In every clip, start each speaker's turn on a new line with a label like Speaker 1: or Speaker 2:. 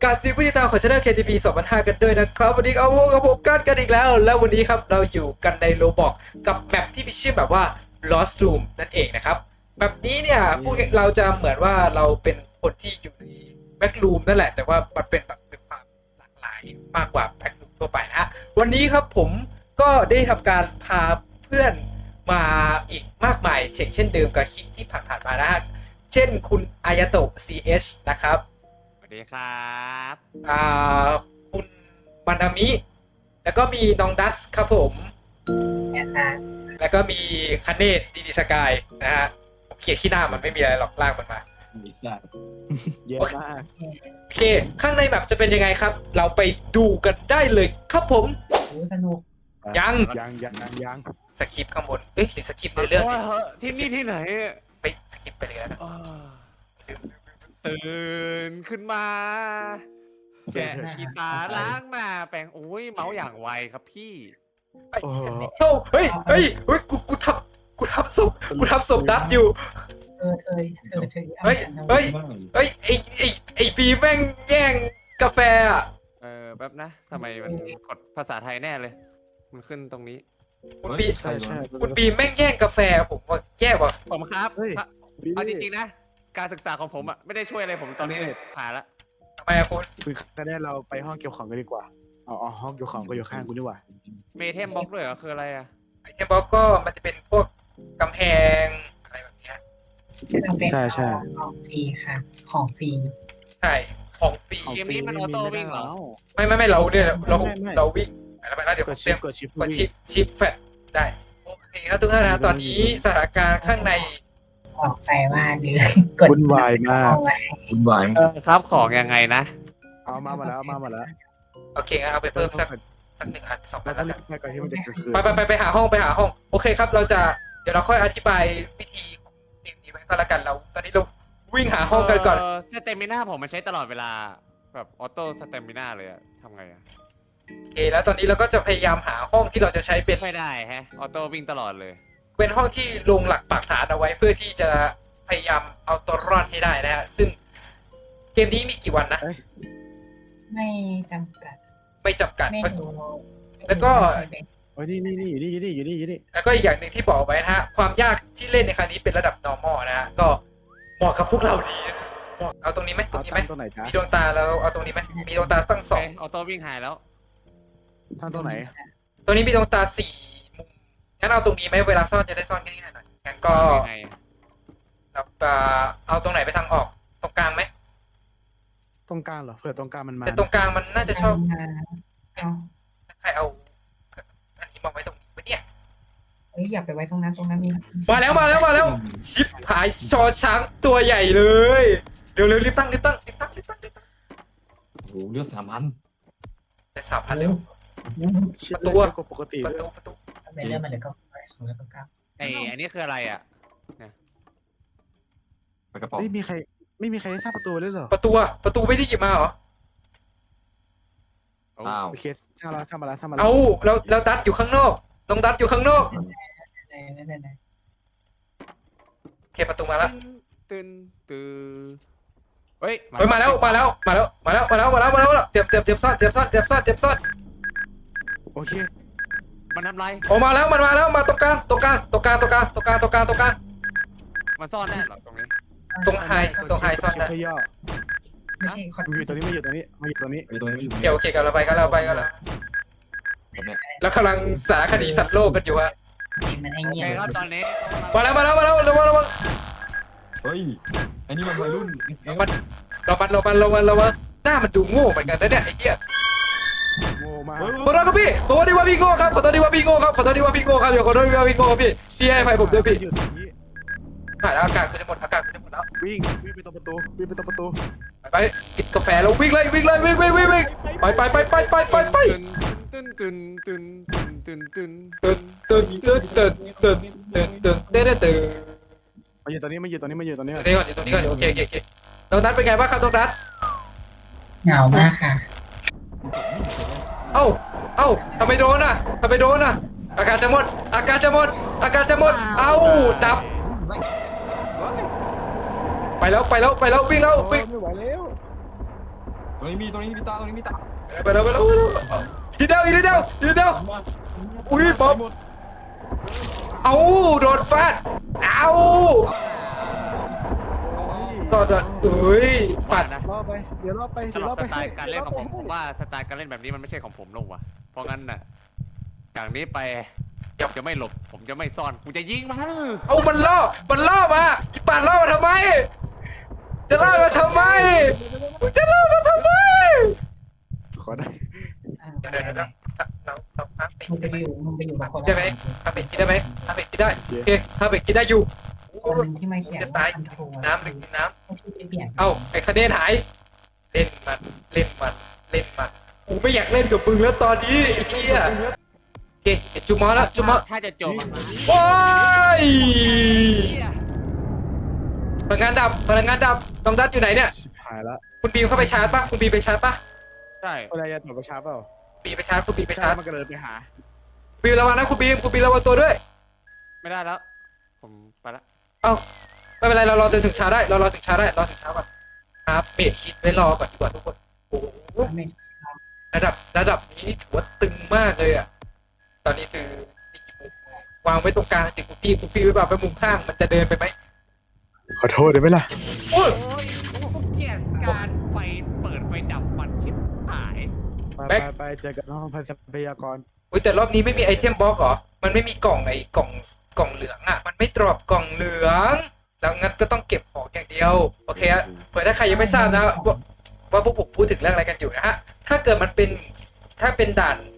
Speaker 1: การซีผู้ติดตามของ Channel KTP 2005 กันด้วยนะครับวันนี้เอาพวกกับผมกันอีกแล้ววันนี้ครับเราอยู่กันในโรบอกกับแมปที่มีชื่อแบบว่า Lost Room นั่นเองนะครับแบบนี้เนี่ยพวกเราจะเหมือนว่าเราเป็นคนที่อยู่ในแบ็กรูมนั่นแหละแต่ว่ามันเป็นแบบเป็นความหลากหลายมากกว่าแบ็กรูมทั่วไปนะฮะวันนี้ครับผมก็ได้ทำการพาเพื่อนมาอีกมากมายเช่นเดิมกับคลิปที่ผ่านๆมานะฮะเช่นคุณอายาโตะ CH นะครับ
Speaker 2: สวัสดีครับ
Speaker 1: คุณบันดามิแล้วก็มีน้องดัสครับผมแล้วก็มีคาเนตดีสกายนะฮะเขียนที่หน้ามันไม่มีอะไรหรอกลากมันมา
Speaker 3: เยอะมาก
Speaker 1: โอเคข้างในแบบจะเป็นยังไงครับเราไปดูกันได้เลยครับผม
Speaker 4: สนุก
Speaker 1: ยังสคริปต์ข้างบนหรือสคริปต์ในเรื่อง
Speaker 2: ที่นี่ที่ไหน
Speaker 1: ไปสคริปต์ไปเลยนะ
Speaker 2: ตื่นขึ้นมาแกะกีตาร์ล้างหน้าแปรงโอ้ยเมาส์อย่างไวครับพี่
Speaker 1: เฮ้ยกูทำศพดับอยู่เฮ้ยไอปีแม่งแย่งกาแฟอ่ะ
Speaker 2: แป๊บนะทำไมมันกดภาษาไทยแน่เลยมันขึ้นตรงนี้
Speaker 1: คุณปีแม่งแย่งกาแฟผมว่าแย่ว่ะ
Speaker 2: ผมครับเอาจริงๆนะการศึกษาของผมอ่ะไม่ได้ช่วยอะไรผมตอนนี้เลยผ่านละ
Speaker 1: ทำไมอะคุณ
Speaker 3: ก็ได้เราไปห้องเก็บของกันดีกว่าอ๋อห้องเก็บของก็อยู่ข้างกูนี่หว่า
Speaker 2: เมเทมบล็อกด้วยเหรอคืออะไรอะ
Speaker 1: ไอเทมบล็อกก็มันจะเป็นพวกกำแพงอะไรแบบนี้
Speaker 3: ใช่
Speaker 4: ของฟรีค่ะของฟรี
Speaker 1: ใช่ของฟรี
Speaker 2: เกมนี้มันออโต้วิ่งเหรอ
Speaker 1: ไม่เราเนี่ยเราวิ่งไปแล้วเดี๋ยวกดชิปแฟตได้โอเคครับทุกท่านนะตอนนี้สถานการณ์ข้างใน
Speaker 4: ออกไปมากเลย
Speaker 3: วุ่นวายมาก
Speaker 2: ครับของยังไงนะ
Speaker 3: เอามาแล้ว
Speaker 1: โอเคงั้นเอาไปเพิ่มสัก1 อัน 2 อันแล้วกันไปหาห้องโอเคครับเดี๋ยวเราค่อยอธิบายวิธีของเกมนี้ไว้ก็แล้วกันเราตอนนี้เราวิ่งหาห้องกันก่อน
Speaker 2: สเตมิน่าผมมันใช้ตลอดเวลาแบบออโต้สเตมิน่าเลยอะทำไงอะ
Speaker 1: โอเคแล้วตอนนี้เราก็จะพยายามหาห้องที่เราจะใช้เป็น
Speaker 2: ไม่ได้ฮะออโต้วิ่งตลอดเลย
Speaker 1: เป็นห้องที่ลงหลักปักฐานเอาไว้เพื่อที่จะพยายามเอาตัวรอดให้ได้นะฮะซึ่งเกมนี้มีกี่วันนะ
Speaker 4: ไม่จำกัด
Speaker 1: แล้วก็
Speaker 3: นี่อยู่นี่
Speaker 1: แล้วก็อีกอย่างหนึ่งที่บอกไว้นะฮะความยากที่เล่นในครั้งนี้เป็นระดับ normal นะฮะก็เหมาะกับพวกเราดีเอาตรงนี้ไหมมีดวงตาแล้วเอาตรงนี้ไหมมีดวงตาตั้ง2อ
Speaker 2: อโต้วิ่งหายแล้ว
Speaker 3: ทางตรงไหน
Speaker 1: ตรงนี้มีดวงตา4 มุมงั้นเอาตรงนี้ไหมเวลาซ่อนจะได้ซ่อนง่ายๆหน่อยงั้นก็เอาตรงไหนไปทางออกตรงกลางไหม
Speaker 3: ตรงกลางเหรอเผื่อตรงกลางมันมา
Speaker 1: แต่ตรงกลางมันน่าจะชอบใครเอาอันนี้มาไว้ตรงนี้เนี่ย
Speaker 4: อย่าไปไว้ตรงนั้นมี
Speaker 1: มาแล้วชิบหายชอช้างตัวใหญ่เลยเร็วรีบตั้ง
Speaker 5: โอ้เลือด3,000
Speaker 1: แต่3,000เร็ว
Speaker 3: ประตูปกติ
Speaker 4: เรื่องมันเลยก็ไป2แล้วก็9
Speaker 2: อันนี้คืออะไรอ่ะเนี่ย
Speaker 5: ไปกระป๋อง
Speaker 3: ไม่มีใครได้สร้างประตูเลยเหรอ
Speaker 1: ประตูไม่ได้หยิบมาเหรอ
Speaker 3: โอเคทำมาแล้ว
Speaker 1: เอาแล้วดัดอยู่ข้างนอกน้องดัดอยู่ข้างนอก
Speaker 4: ไม่เป็นไร
Speaker 1: โอเคประตูมาแล้ว
Speaker 2: ตื่นเฮ้ย
Speaker 1: มาแล้วเตรียมซ่อน
Speaker 3: โอเค
Speaker 2: มันทำไร
Speaker 1: ออกมาแล้วมาตรงกลาง
Speaker 2: มันซ่อนแน่หรอตรงนี้
Speaker 1: ตรงไฮซ่อนได้
Speaker 4: ไม่ใช่
Speaker 3: มาอยู่ตรงนี้
Speaker 1: โอเคกันเราไปกันแล้วกำลังสารคดีสัตว์โลกกันอยู่อะ
Speaker 4: มันให้เงียบ
Speaker 2: ตอนนี้
Speaker 1: มาแล้ว
Speaker 5: เฮ้ยอันนี้มันวัยรุ่น
Speaker 1: เราหน้ามันดูโง่เหมือนกันนะเนี่ยไอ้เหี้ย
Speaker 3: โง่มาก
Speaker 1: ขอโทษครับพี่ขอโทษที่ว่าพี่โง่ครับอย่าขอโทษที่ว่าพี่โง่ครับพี่ให้อภัยผมด้วยพี่ถ่ายแล้วอากาศจะหมดแล้ว
Speaker 3: วิ่งไปตรงประตู
Speaker 1: ไปกินกาแฟแล้ววิ่งไปตื่น
Speaker 3: มาอยู่ตรงนี้ก่อน
Speaker 1: โอเคน้องนัทเป็นไงบ้างครับน้องนัท
Speaker 4: เหงามากค่ะ
Speaker 1: เอ้าทำไมโดนอ่ะอากาศจะหมดเอ้าดับไปแล้ววิ่ง
Speaker 3: ไม่ไหวแล้ว
Speaker 5: ตรงนี้มีตาตรงนี้มีตา
Speaker 1: ไปแล้วทีเดียวอุ้ยป๊อปเอาโดนฟาดเอาต่อเอ้ยปัด
Speaker 2: นะ
Speaker 3: รอไปเดี๋ยวรอไป
Speaker 2: สำ
Speaker 3: เดี๋ยว
Speaker 2: ห
Speaker 3: ร
Speaker 2: รั
Speaker 3: อบ ไป
Speaker 2: สไตล์การเล่นของผมว่าสไตล์การเล่นแบบนี้มันไม่ใช่ของผมลงว่ะเพราะงั้นน่ะจากนี้ไปผมจะไม่หลบผมจะไม่ซ่อนกูจะยิงมัน
Speaker 1: เอามันล่อมาอีปัดล่อมาทำไมจะล่อมาทำไมจะล่อมาทำไม
Speaker 3: ขอได้
Speaker 4: มึงไปอยู่กับคน
Speaker 1: ได้ไหมทำเป็ดกินได้ไหมทำเป็ดกินได้โอเคทำเป็ดกินได้อยู่
Speaker 4: คนหนึ่งที่มาเขียนว่าคอนโทรล
Speaker 1: น้ำหรือกินน้
Speaker 4: พี่ไปเปลี่ยน
Speaker 1: ำเอ้าไอ้คะแนนหายเล่นมันกูไม่อยากเล่นกับมึงแล้วตอนนี้ไอ้เหี้ยโอเคจุ๊มอแล้วจุ๊มอ
Speaker 2: ถ้าจะจบอะ
Speaker 1: โอ้ยพลังงานดับน้องดัดอยู่ไหนเนี่ย
Speaker 3: ชิบหายละ
Speaker 1: คุณบีมเข้าไปชาร์จปะคุณบีมไปชาร์จปะ
Speaker 2: ใช่
Speaker 3: อะไรจะตอบประชาเปล่า
Speaker 1: บีมไปชาร์จคุณบีมไปชาร์จ
Speaker 3: มันก็เลยไปหา
Speaker 1: บีมระวังนะคุณบีมระวังตัวด้วย
Speaker 2: ไม่ได้แล้วผมไปละ
Speaker 1: เอ้าไม่เป็นไรเรารอจนถึงเช้าได้เรารอถึงเช้าก่อนครับเบรดคิดไว้รอก่อนดีกว่าทุกคนโอ้โหระดับนี้ถือว่าตึงมากเลยอ่ะตอนนี้คือวางไว้ตรงกลางสิคุณพี่ไว้แบบไปมุมข้างมันจะเดินไปไหม
Speaker 3: ขอโทษได้ไหมล่ะ
Speaker 1: โอ้ย
Speaker 2: โอ้ยผมเกลียดการไฟเปิดไฟดับมันชิบหาย
Speaker 3: ไปเจอกันห้องพันทรัพยากร
Speaker 1: อุ้ยแต่รอบนี้ไม่มีไอเทมบล็อกเหรอมันไม่มีกล่องกล่องเหลืองอ่ะมันไม่ดรอปกล่องเหลืองแล้วงั้นก็ต้องเก็บของอย่างเดียวโอเคอะเผื่อถ้าใครยังไม่ทราบนะว่าพวกผมพูดถึงเรื่องอะไรกันอยู่นะฮะถ้าเกิดมันเป็นถ้าเป็นด่าน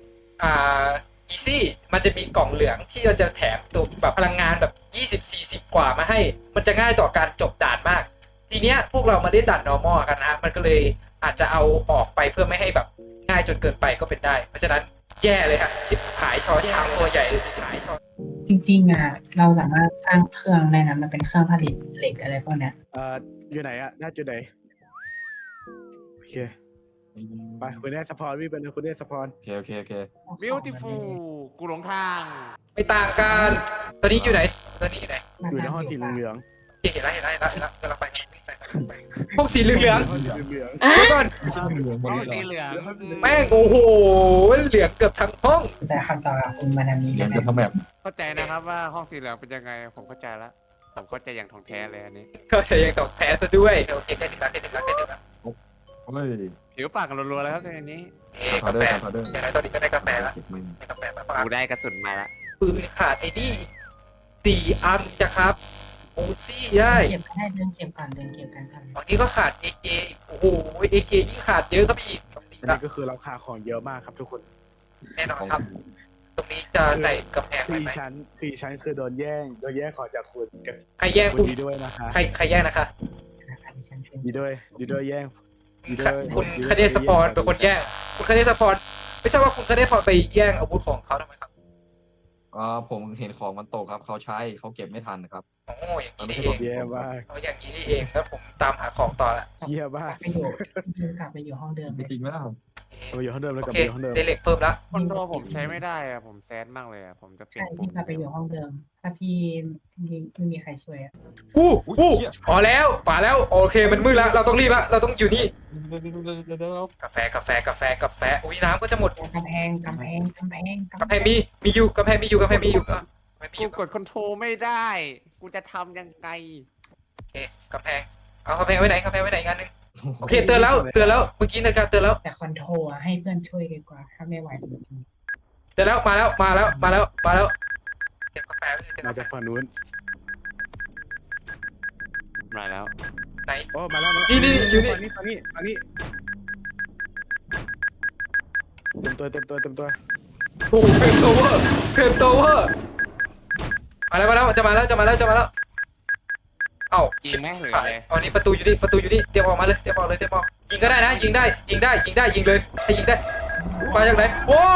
Speaker 1: easy มันจะมีกล่องเหลืองที่เราจะแถมตัวแบบพลังงานแบบ20-40 กว่ามาให้มันจะง่ายต่อการจบด่านมากทีเนี้ยพวกเรามาเล่นด่าน normal กันนะมันก็เลยอาจจะเอาออกไปเพื่อไม่ให้แบบง่ายจนเกินไปก็เป็นได้เพราะฉะนั้นแย่เลยฮะชิบหายชอช้างตัวใหญ่เลยชิบหายชอ
Speaker 4: จริงๆอ่ะเราสามารถสร้างเครื่องได้นะมันเป็นเครื่องผลิตเหล็กอะไรพวกเนี้ย
Speaker 3: อยู่ไหนอะหน้าจุดไหนโอเคไปคุณได้สปอนวิ่งไปเลยคุณได้สปอน
Speaker 5: โอเค
Speaker 2: beautiful กูหลงทาง
Speaker 1: ไม่ต่างกันตอนนี้อยู่ไหน
Speaker 3: อยู่ในห้องสีเหลือง
Speaker 1: เห็นแล้วกำลังไปพวกสีเหลือง
Speaker 3: ห้องสีเหลือง
Speaker 1: ๆเดี๋ยวก่อน
Speaker 2: ห้องสีเหลือง
Speaker 1: แม่งโอ้โหเหลืองเกือบทั้งห้อง
Speaker 4: แสดงคำตอบกับคุณมานามิ
Speaker 5: เดี๋
Speaker 4: ได้
Speaker 5: ยว
Speaker 4: ไหม
Speaker 5: จะทำแบบ
Speaker 2: เข้าใจนะครับว่าห้องสีเหลืองเป็นยังไงผมเข้าใจแล้วผมเข้าใจอย่างท่องแท้เลยอันนี้
Speaker 1: เข้าใจยังตกแพ้ซะด้วยโอเคได้ถึงแล้ว
Speaker 5: เฮ้ย
Speaker 2: ผิวปากกันรัวๆแล้วครับในนี้
Speaker 5: พาเดอร์พาเดอร์
Speaker 1: อย่างไรตอนนี้ก็ได้กาแฟแล้ว
Speaker 5: เก็บมัน
Speaker 1: กาแฟมา
Speaker 2: กูได้กระสุนมาละ
Speaker 1: ปืนขาดไอ้นี่4 อันจ้ะครับโอซี่ได้
Speaker 4: เก็บก็ได้เดินเก็บกันค่ะ
Speaker 1: ตอนนี้ก็ขาด AK โอ้โห AK ยิ่งขาดเยอะครับพี่ตรงนี้
Speaker 3: อันนี้ก็คือราคาของเยอะมากครับทุกคน
Speaker 1: แน่นอนครับ ตรงนี้จะใส่กำแพง
Speaker 3: คือ
Speaker 1: ไว้
Speaker 3: อี
Speaker 1: ไหม
Speaker 3: ชั้นคือโดนแย่งของจากคุณกับ
Speaker 1: ใครแย่ง
Speaker 3: คุ
Speaker 1: คุณ ณ
Speaker 3: ดีด้วยนะคะ
Speaker 1: ใครแย่งนะคะ
Speaker 4: นะคะดิฉันเป็น
Speaker 3: ดีด้วยแย่ง
Speaker 1: คุณคเนสปอนเป็นคนแย่งคุณคเนสปอนไม่ใช่ว่าคุณคเนสปอนไปแย่งอาวุธของเขาทำไมครับ
Speaker 5: ผมเห็นของมันตกครับเขาใช้เขาเก็บไม่ทันนะครับ
Speaker 1: โอ้อย่างนี้นี่เอง
Speaker 3: แย่มาก
Speaker 1: เอาอย่างนี้นี่เองแล้วผมตามหาของต่อละ
Speaker 3: เยี่ยมาก
Speaker 4: กลับไปอยู่ห้องเดิม
Speaker 5: จริงไหมล่ะ
Speaker 3: เราอยู่ห้องเดิมแล้ว
Speaker 1: โอก
Speaker 3: ลับ
Speaker 1: เค
Speaker 3: ไปอยู่ห้องเดิม
Speaker 1: ได้เหล็กเพิ่มละ
Speaker 2: คอนโทรผมใช้ไม่ได้อะผมแซดมากเลยอะผมจะเปลี่ย
Speaker 4: ใช่
Speaker 2: นปุ่
Speaker 4: พี่
Speaker 2: ม
Speaker 4: กลับไปอยู่ห้องเดิม ถ้าพี่ไม่มีใครช่วยอ่ะ
Speaker 1: อู้พอแล้วป่าแล้วโอเคมันมืดแล้วเราต้องรีบละเราต้องอยู่นี่กาแฟอุ้ยน้ำก็จะหมด
Speaker 4: กำแพง
Speaker 1: กำแพงมีอยู่ก็ไม่มีอยู่
Speaker 2: กูกดคอนโทรไม่ได้ กูจะทำยังไง
Speaker 1: โอเคกำแพงเอากำแพงไว้ไหนอีกอันนึงโอเคเตือนแล้วเมื่อกี้นาฬิกาเตือนแล้ว
Speaker 4: แต่คอนโทรให้เพื่อนช่วยดีกว่าถ้าไม่ไหวจริง
Speaker 1: เตือนแล้วมาแล้วเก็บกาแฟไว้เลยเก็บ
Speaker 3: มา
Speaker 1: าก แฟ
Speaker 3: กฝั่งนู้น
Speaker 2: มาแล้ว
Speaker 1: ไหน
Speaker 3: โอ้มาแล้ว
Speaker 1: นี่อยู่นี่
Speaker 3: ฝั่งนี้เต็มตัว
Speaker 1: โอ้เฟรมโตเวอร์มาแล้วจะมาแล้วเอ้า
Speaker 2: ยิงแม่งหรือ
Speaker 1: ผ่า
Speaker 2: อะไร
Speaker 1: อ๋อนี่ประตูอยู่นี่เตรียมออกเลยยิงก็ได้นะยิงเลยให้ยิงได้มาจากไหนโอ้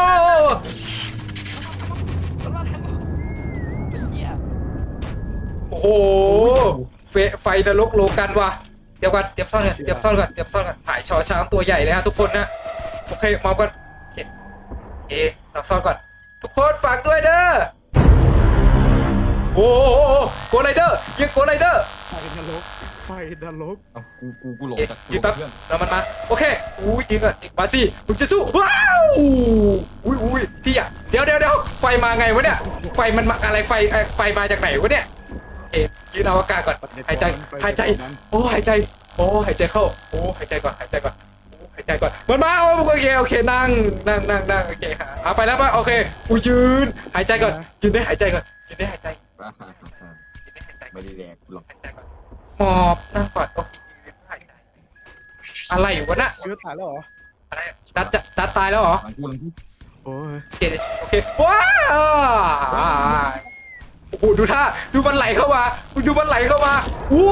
Speaker 1: โอ้โหไฟนรกโลกันว่ะเตรียมซ่อนกันถ่ายชอช้างตัวใหญ่เลยฮะทุกคนนะโอเคมองกันโอเคเราซ่อนก่อนทุกคนฝากด้วยเด้อโอ้โกไรเดอร์ยิงโกไรเดอร์
Speaker 3: ไฟนรกไฟนรก
Speaker 5: เอากูหลงจาก
Speaker 1: ยิงแป๊บ
Speaker 5: เพื่อน
Speaker 1: แล้วมันมาโอเคอุ้ยยิงก่อนมาสิมึงจะสู้ว้าวอุ้ยพี่อะเดี๋ยวไฟมาไงวะเนี่ยไฟมันมาอะไรไฟมาจากไหนวะเนี่ยเอ๊ะยืนเอาอากาศก่อนหายใจโอ้หายใจหายใจเข้าโอ้หายใจก่อนหายใจก่อนมันมาโอเคนั่งโอเคเอาไปแล้วป่ะโอเคกูยืนหายใจก่อนยืนได้หายใจก่อนยืนได้หายใจ
Speaker 5: ไม่ได้แดกกูหรอก
Speaker 1: หมอบนั่งก่อนโอเคอะไรวะน่ะ
Speaker 3: เชื้อตายแล้วเหรอ
Speaker 1: อะไรดัดตายแล้วเหรอ
Speaker 5: หลังกู
Speaker 3: โอ้ย
Speaker 1: โอเคว้าวโอ้โหดูท่าดูมันไหลเข้ามาอู้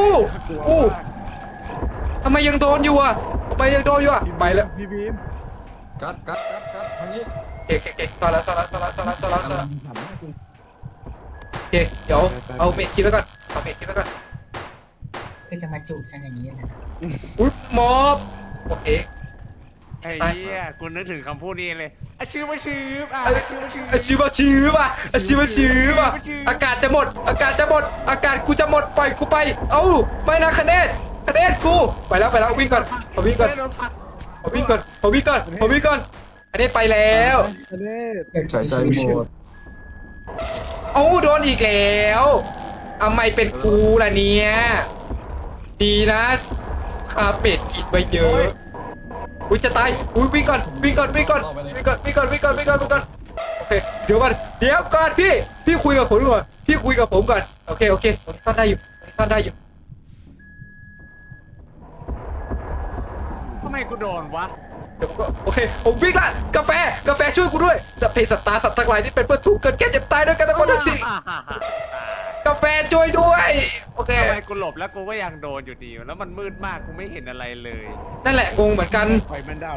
Speaker 1: ทำไมยังโดนอยู่อ่ะไปแล้ว
Speaker 3: พี่บีม
Speaker 5: กัดทางนี้
Speaker 1: โอเคซอแล้ว
Speaker 5: หันหน้ากู
Speaker 1: โอเคเดี๋ยวเอาเมทคิดไว้ก่อน
Speaker 4: คือจะมาจูบกันอย่างนี้นะ
Speaker 1: อุ้ยมอบโอเค
Speaker 2: ไอ้เหี้ยกูนึกถึงคำพูดนี้เลยอาชื่อมาชื่อ
Speaker 1: ชื้อป่ะอากาศจะหมดอากาศกูจะหมดปล่อยกูไปเอ้าไม่นะคะแนนกูไปแล้ววิ่งก่อนวิ่งก่อนคะแนนไปแล้ว
Speaker 3: คะแนน
Speaker 5: ใส่ใจหมด
Speaker 1: เอ้าโดนอีกแล้วทำไมเป็นกูล่ะเนี่ยดีนะคาเป็ดกินไปเยอะอุ้ยจะตายอุ้ยวิ่งก่อนโอเคเดี๋ยวก่อนพี่คุยกับผมก่อนโอเคตรงนี้ซ่อนได้อยู่
Speaker 2: ทำไมกูโดนวะ
Speaker 1: เดี๋ยวผมก็โอเคผมวิ่งละกาแฟช่วยกูด้วยสัพเพสัตตาสัตว์ทั้งหลายที่เป็นเพื่อนทุกข์เกิดแก่เจ็บตายด้วยกันทั้งหมดทั้งสิ้นกาแฟช่วยด้วยโอเค
Speaker 2: ทำไมกูหลบแล้วกูก็ยังโดนอยู่ดีแล้วมันมืดมากกูไม่เห็นอะไรเลย
Speaker 1: นั่นแหละงงเหมือนกัน
Speaker 3: ไฟมันดับ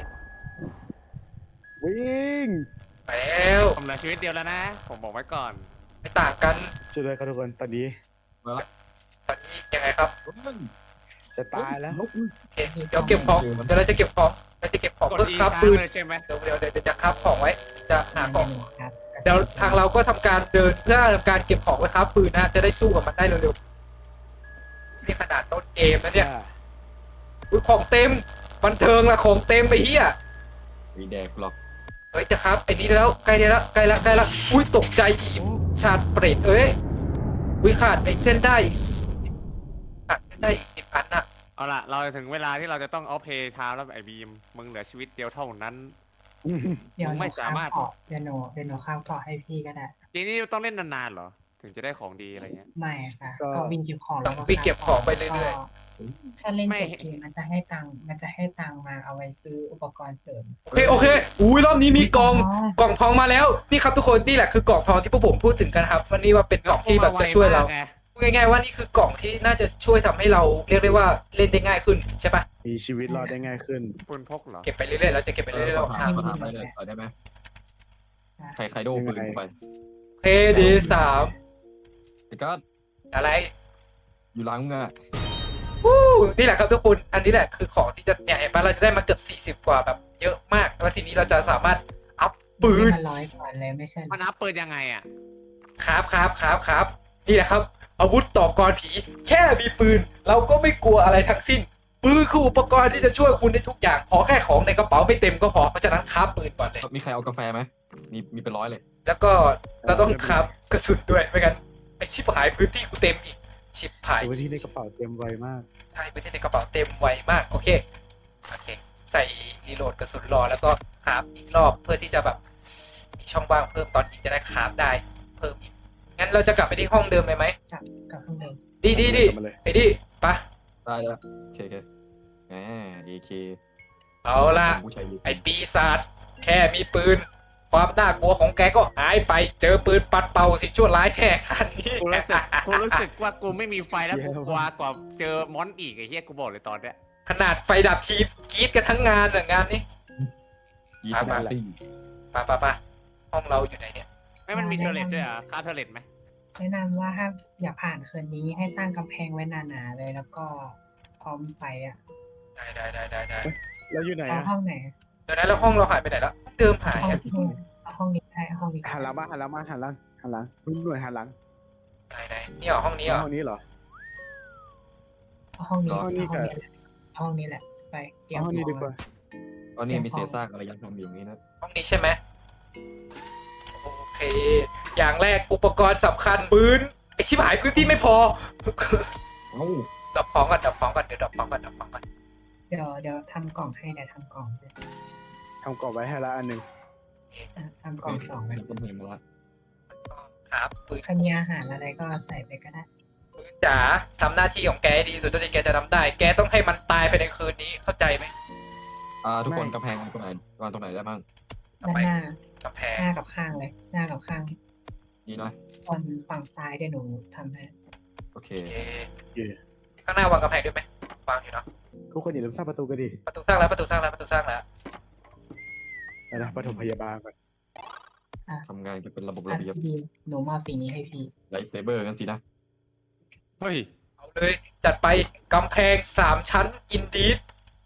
Speaker 3: วิ่ง
Speaker 1: ไปแล้ว
Speaker 2: ผมเหลือชีวิตเดียวแล้วนะ ผมบอกไว้ก่อน
Speaker 1: ไม่ต่างกัน
Speaker 3: ช่วยด้วยครับทุกคนตอนนี้
Speaker 5: มาละ
Speaker 1: ตอนนี้ยังไงครับ
Speaker 3: จะตายแล้ว
Speaker 1: โอเคเดี๋ยวเก็บของเดี๋ยวเราจะเก็บของเพื่อ
Speaker 2: อี
Speaker 1: ครับ
Speaker 2: ค้าง
Speaker 1: ปืน
Speaker 2: เลยใช่ไหม
Speaker 1: เดี๋ยวจะครับของไว้จะหาของ
Speaker 4: ครับ
Speaker 1: เดี๋ยวทางเราก็ทำการเดินเพื่อทำการเก็บของไว้ครับปืนนะจะได้สู้กับมันได้เร็วๆนี่ขนาดต้นเกมนะเนี่ยอุ๊ยของเต็มบันเทิงละของเต็มไปเฮีย
Speaker 5: มีแดกหรอก
Speaker 1: เฮ้ยจะครับไอ้นี่แล้วใกล้แล้วอุ้ยตกใจอีกชาดเปรตอุ้ยขาดไอ้เส้นได้อีก10 อันน่ะ
Speaker 2: เอาล่ะเราถึงเวลาที่เราจะต้องเอาเพย์ไทม์แล้วไอ้บีมมึงเหลือชีวิตเดียวเท่านั้น
Speaker 4: เดี๋ยวห
Speaker 2: ไม่
Speaker 4: นู
Speaker 2: สา
Speaker 4: ข้าม
Speaker 2: มารถ
Speaker 4: เกาะเดี๋ยวหนูข้ามเกาะให้พี่ก็ได้
Speaker 2: ทีนี้ต้องเล่นนานๆเหรอถึงจะได้ของดีอะไรเงี้ย
Speaker 4: ไม่ค่ะก็วิ่งเก็บของ
Speaker 1: ต้องวิ่งเก็บของไปเรื่อย
Speaker 4: ถ้าเล่นจบเกมมันจะให้ตังค์มาเอาไว้ซื้ออุปกรณ์เสริม
Speaker 1: โอเคอุ้ยรอบนี้มีกล่องทองมาแล้วนี่ครับทุกคนนี่แหละคือกล่องทองที่พวกผมพูดถึงกันครับวันนี้ว่าเป็นกล่องที่แบบจะช่วยเรา
Speaker 2: ไง
Speaker 1: พูดง่ายๆว่านี่คือกล่องที่น่าจะช่วยทำให้เราเรียกได้ว่าเล่นได้ง่ายขึ้นใช่ปะ
Speaker 3: มีชีวิตรอดได้ง่ายขึ้น
Speaker 2: ปืนพกเหรอ
Speaker 1: เก็บไปเรื่อยๆเราจะเก็บไปเรื่อยๆเราทาง
Speaker 5: ถามได้เลยได้ไหมใครโดนปืนกูไป
Speaker 1: เพดีสาม
Speaker 5: ไอ้กัด
Speaker 1: อะไร
Speaker 5: อยู่หลังมึงอะ
Speaker 1: วู้นี่แหละครับทุกคนอันนี้แหละคือของที่จะเนี่ยเห็นปะเราจะได้มาเกือบ40 กว่าแบบเยอะมากแล้วทีนี้เราจะสามารถอัพปืน
Speaker 4: มัน100 ก่อนเลยไม่ใช่
Speaker 2: มันอัพปืนยังไงอ่ะ
Speaker 1: ครับนี่แหละครับอาวุธต่อกรผีแค่มีปืน เราก็ไม่กลัวอะไรทั้งสิ้นปืนคืออุปกรณ์ที่จะช่วยคุณได้ทุกอย่างขอแค่ของในกระเป๋าไม่เต็มก็พอเพราะฉะนั้นคราฟปืนก่อนเลย
Speaker 5: มีใครเอากาแฟไหมมีเป็น100เลย
Speaker 1: แล้วก็เราต้องคราฟกระสุนด้วยไม่งั้นไอชิบหายพื้นที่กูเต็มอีกชิบหาย
Speaker 3: ตัวที่ในกระเป๋าเต็มไวมาก
Speaker 1: ใช่พื้นที่ในกระเป๋าเต็มไวมากโอเคใส่รีโหลดกระสุนรอแล้วก็คราฟอีกรอบเพื่อที่จะแบบมีช่องว่างเพิ่มตอนยิงจะได้คราฟได้เพิ่มอีกงั้นเราจะกลับไปที่ห้องเดิมเลยไหม
Speaker 4: กับเพิ่งเดิม
Speaker 1: ดี
Speaker 3: มาเลย
Speaker 1: ไอ้ดิปะ
Speaker 5: ได้แล้วโอเคแหม AK
Speaker 1: เอาละ
Speaker 5: ผู้ชาย
Speaker 1: ไอ้ปีศาจแค่มีปืน ความน่ากลัวของแกก็หายไปเจอปืนปัดเป่าสิ่งชั่วร้ายแห่คันนี้
Speaker 2: กูรู้สึกว่ากูไม่มีไฟแล้วกูกลัวกว่าเจอมอนอีกไอ้เหี้ยกูบอกเลยตอนเนี้ย
Speaker 1: ขนาดไฟดับทีกรีดกันทั้งงานงานนี้
Speaker 5: ยีสปาร์ตี้
Speaker 1: ปะห้องเราอยู่ไหนเนี่ย
Speaker 2: ไม่มันมีเทอร์เลตด้วยเหรอ่ะค่าเทอร์เลตไหม
Speaker 4: แนะนำว่าถ้าอยากผ่านคืนนี้ให้สร้างกำแพงไว้หนาๆเลยแล้วก็พร้อมไฟอ่ะ
Speaker 1: ได้
Speaker 3: แล้วอยู่ไหน
Speaker 4: เอา
Speaker 3: อะ
Speaker 4: ห้องไหน
Speaker 1: เดี๋ยวนั้นแล้วห้องเราหายไปไหนแล้วเดิมหาย
Speaker 4: ห้อง
Speaker 1: อะ
Speaker 4: ที่เอาห้องนี้ให้ห้องนี้
Speaker 3: หันหลังมาหันหลังรุ่นหน่วยหันหลัง
Speaker 1: ไหนนี่เหรอห้องนี้เหรอ
Speaker 3: ห้องนี้เหรอ
Speaker 4: เอาห้องนี้
Speaker 5: ก็
Speaker 4: เอาห้องนี้แหละเอาห้องนี้แหละไปเตรียม
Speaker 3: เอาห้องนี้
Speaker 4: ข
Speaker 3: ดี
Speaker 4: อง
Speaker 3: กว่า
Speaker 5: ตอนนี้มีเศษซากอะไรยังทำอยู่อย่างนี้นะ
Speaker 1: ห้องนี้ใช่ไหมโอเค อย่างแรกอุปกรณ์สำคัญปืนไอชิบหายพื้นที่ไม่พอ
Speaker 5: เอ้า
Speaker 1: ดับของก่อนดับของก่อนเดี๋ยวดับของก่อนดับของก่อน
Speaker 4: เดี๋ยวทำกล่องให้เดี๋ยวทำกล่องให้
Speaker 3: ทำกรอบไว้ให้ละอันหนึ่ง
Speaker 4: ทำกล่อง2ไป
Speaker 5: เดี๋ยวก็เห็นมาละ
Speaker 1: ครับปืน
Speaker 4: ใครมีอาหารอะไรก็ใส่ไปก็ได้
Speaker 1: ปืนจ๋าทำหน้าที่ของแกให้ดีสุดเท่าที่แกจะทำได้ แกต้องให้มันตายภายในคืนนี้เข้าใจไหม
Speaker 5: ทุกคนกำแพงตรงไหนวางตรงไหนได้บ้าง
Speaker 1: ต่อ
Speaker 4: ด้าน
Speaker 1: ไป
Speaker 4: หน้าก
Speaker 1: ำแพง
Speaker 4: หน้ากับข้างเลย หน้ากับข้าง
Speaker 5: นี่นะ
Speaker 4: ฝั่งซ้ายเดี๋ยวหนูทำให้
Speaker 5: โอเค
Speaker 1: โอเค
Speaker 3: โอเค
Speaker 1: ข้างหน้าวางกำแพงด้วยไหมวางอยู่เนาะ
Speaker 3: ทุกคนอย่าลืมสร้างประตูกันดิ
Speaker 1: ประตูสร้างแล้วประตูสร้างแล้วประตูสร้างแล้ว
Speaker 3: ไปนะปฐมพยาบาลก่อน
Speaker 5: ทำงานกันเป็นระบบ
Speaker 4: อ่ะ
Speaker 5: ระเบียบ
Speaker 4: พี่หนูมอบสิ่งนี้ให้พี่
Speaker 5: ไลท์เซเบอร์กันสินะ
Speaker 2: เฮ้ย
Speaker 1: เอาเลยจัดไปกำแพง3 ชั้นอินดีด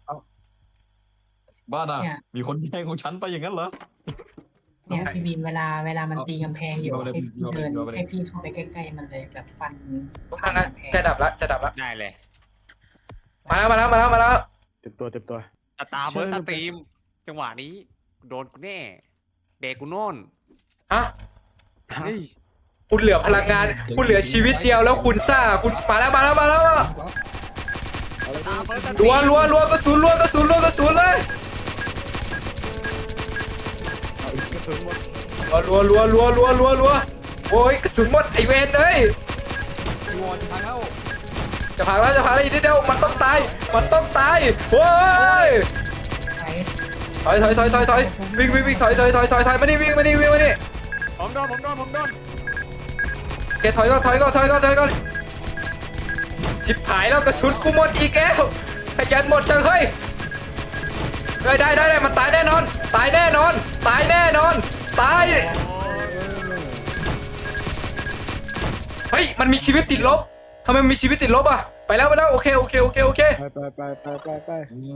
Speaker 5: บ้าน่ะ
Speaker 4: เนี่ย
Speaker 5: มีคนแย่งของฉันไปอย่างนั้นเหรอ
Speaker 4: เนี่ยพี่บีมเวลามันตีกำแพงอยู่
Speaker 5: เอาเลย
Speaker 4: ให้พี่เดิน
Speaker 5: เอาเลย
Speaker 4: ให้พี่เข้าไปใกล้ๆมันเลยแบบฟัน
Speaker 1: ทุกท่านนะจะดับละจะดับละ
Speaker 2: ได้เลย
Speaker 1: มาแล้วมาแล้วมาแล้วมาแล้ว
Speaker 3: เต็มตัวเต็มตัว
Speaker 2: สตาร์เบิร์ดสตรีม จังหวะนี้ โดนกูแน่ เด็กกูโน่น
Speaker 1: ฮะ
Speaker 3: ฮะ
Speaker 1: คุณเหลือพลังงาน คุณเหลือชีวิตเดียวแล้วคุณซ่าคุณมาแล้วมาแล้วมาแล้ว
Speaker 3: เอาเลย
Speaker 2: สตาร์เบิร์ดสตรี
Speaker 1: รัว
Speaker 2: ม
Speaker 1: รัวรัวกระสุนรัวกระสุนรัวกระสุนเลย
Speaker 3: เอาอีกกระสุนหมด
Speaker 1: รัวรัวรัวรัวรัวรัวโอ้ยกระสุนหมดไอเวนเลย
Speaker 5: จีวอนพังแล้ว
Speaker 1: จะพังแล้วจะพังแล้วอีกนิดเดียวมันต้องตายมันต้องตายโอ้ย
Speaker 4: ไป
Speaker 1: ถอยวิ่งวิ่งถอยมานี่วิ่งมานี่วิ่งมานี่
Speaker 2: ผมโดนผมโดน
Speaker 1: แกถอยก่อนชิบหายแล้วกระสุนกูหมดอีกแล้วขยันหมดจังเฮ้ยได้มันตายแน่นอนตายแน่นอนตายเฮ้ยมันมีชีวิตติดลบทำไมมันมีชีวิตติดลบอ่ะไปแล้วโอเค
Speaker 3: ไป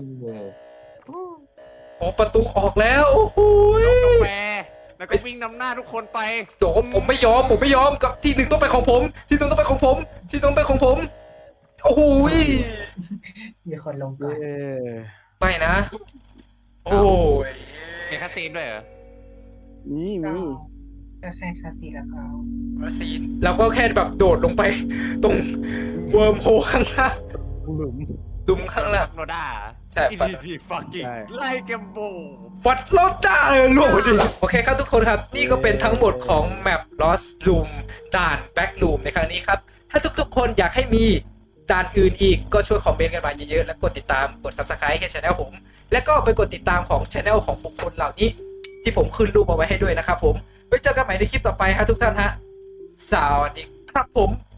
Speaker 1: โอ้ประตูออกแล้วโอ้โห
Speaker 2: กาแฟแล้วก็วิ่งนำหน้าทุกคนไป
Speaker 1: โดผมไม่ยอมกับที่หนึ่งต้องเป็นของผมที่หนึ่งต้องเป็นของผมโอ้โห
Speaker 4: มีคนลงก่อน
Speaker 3: เย้
Speaker 1: ไปนะ โอ้ย
Speaker 2: มีคาซีนด้วยเหรอ
Speaker 3: มี
Speaker 4: ก็แค่คาซีแล้วก็
Speaker 1: มาซีนเราก็แค่แบบโดดลงไปตรงเวิร์มโฮข้างล่าง
Speaker 3: หลุม
Speaker 1: ดุมข้างล่าง
Speaker 2: โนด้า
Speaker 1: ใช่ฟัน
Speaker 2: ที่ฟักกิ้ง
Speaker 3: ใช่
Speaker 2: ไล่เกมโบ
Speaker 1: ฟัดรถได้ล่วงพอดีโอเคครับทุกคนครับ นี่ก็เป็นทั้งหมดของแมป Lost Room ด่าน Back Room ในครั้งนี้ครับ ถ้าทุกๆคนอยากให้มีด่านอื่นอีกก็ช่วยคอมเมนต์กันมาเยอะๆ และกดติดตามกด Subscribe ให้ช่องผม และก็ไปกดติดตามของช่องของบุคคลเหล่านี้ ที่ผมขึ้นรูปเอาไว้ให้ด้วยนะครับผมไว้เจอกันใหม่ในคลิปต่อไปฮะทุกท่านฮะสวัสดีครับผม